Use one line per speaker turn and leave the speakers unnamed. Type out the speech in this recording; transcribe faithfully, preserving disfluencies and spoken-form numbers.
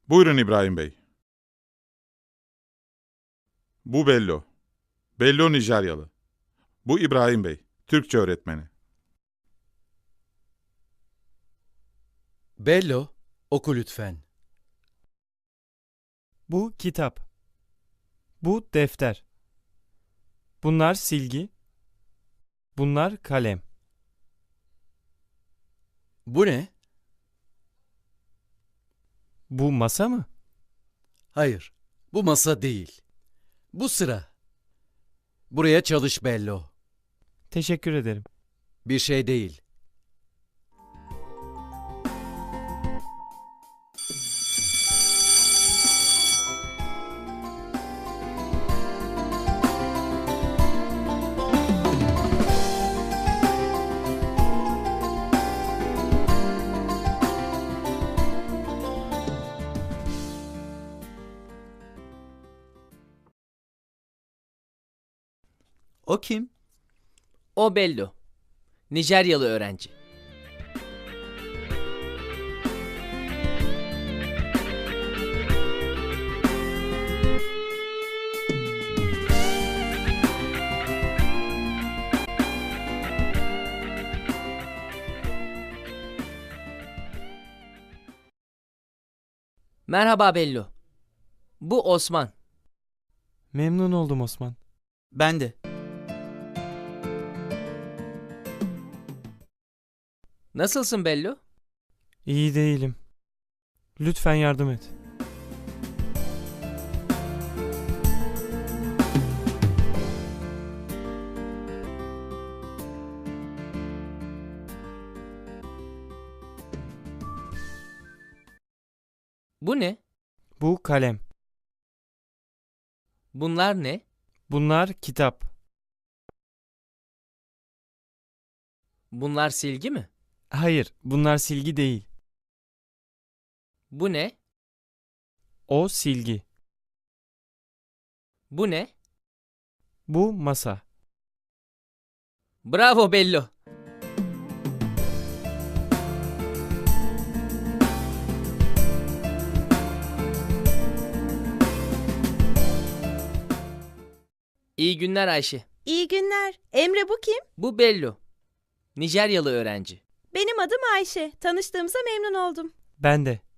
Buyurun İbrahim Bey. Bu Bello. Bello Nijeryalı. Bu İbrahim Bey, Türkçe öğretmeni.
Bello, oku lütfen.
Bu kitap. Bu defter. Bunlar silgi. Bunlar kalem.
Bu ne?
Bu masa mı?
Hayır, bu masa değil. Bu sıra. Buraya çalış Bello.
Teşekkür ederim.
Bir şey değil.
O kim?
O Bello. Nijeryalı öğrenci. Merhaba Bello. Bu Osman.
Memnun oldum Osman.
Ben de.
Nasılsın Bello?
İyi değilim. Lütfen yardım et.
Bu ne?
Bu kalem.
Bunlar ne?
Bunlar kitap.
Bunlar silgi mi?
Hayır, bunlar silgi değil.
Bu ne?
O silgi.
Bu ne?
Bu masa.
Bravo Bello. İyi günler Ayşe.
İyi günler. Emre bu kim?
Bu Bello. Nijeryalı öğrenci.
Benim adım Ayşe. Tanıştığımıza memnun oldum.
Ben de.